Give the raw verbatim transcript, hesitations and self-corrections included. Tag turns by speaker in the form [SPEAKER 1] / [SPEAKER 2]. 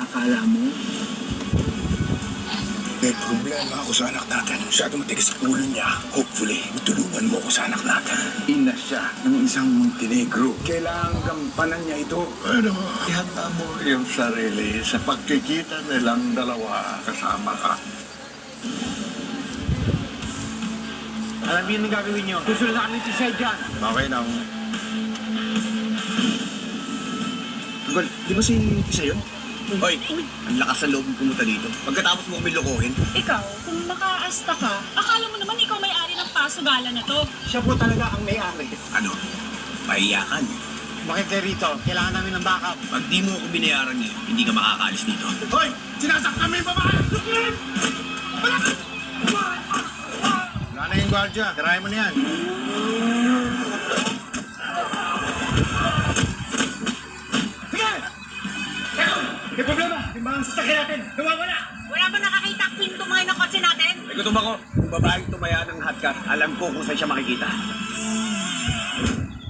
[SPEAKER 1] akala mo?
[SPEAKER 2] May problema ako sa anak natin. Masyado matigas ang ulo niya. Hopefully, matulungan mo ako sa anak natin.
[SPEAKER 1] Ina siya ng isang Montenegro. Kailangan gampanan niya ito.
[SPEAKER 2] Ano?
[SPEAKER 3] Ihanda mo yung sarili sa pagkikita nilang dalawa kasama ka.
[SPEAKER 1] Alam niyo ang gagawin niyo. Susunod na kami si Sir John.
[SPEAKER 3] Okay lang.
[SPEAKER 4] Gol, di ba si Tisa yun? Hoy, ang lakas sa loob mo pumunta dito. Pagkatapos mo kami lokohin.
[SPEAKER 5] Ikaw, kung makaasta ka, akala mo naman ikaw may-ari ng pasugalan na to.
[SPEAKER 1] Siya po talaga ang may-ari.
[SPEAKER 4] Ano? Pahiyakan.
[SPEAKER 1] Bakit kayo rito? Kailangan namin ng backup.
[SPEAKER 4] Pag di mo ako binayaran ngayon, hindi ka makakaalis dito.
[SPEAKER 2] Hoy! Sinasaktan mo yung babae!
[SPEAKER 3] Wala na yung gwardiya. Tirahin mo na yan.
[SPEAKER 1] May problema! Yung mga sasakyan natin! Nawawala!
[SPEAKER 5] Wala ba nakakita ang pinto mga ng kotse natin?
[SPEAKER 4] May gutom ako. Kung babaeng tumaya ng hotcar, alam ko kung saan siya makikita.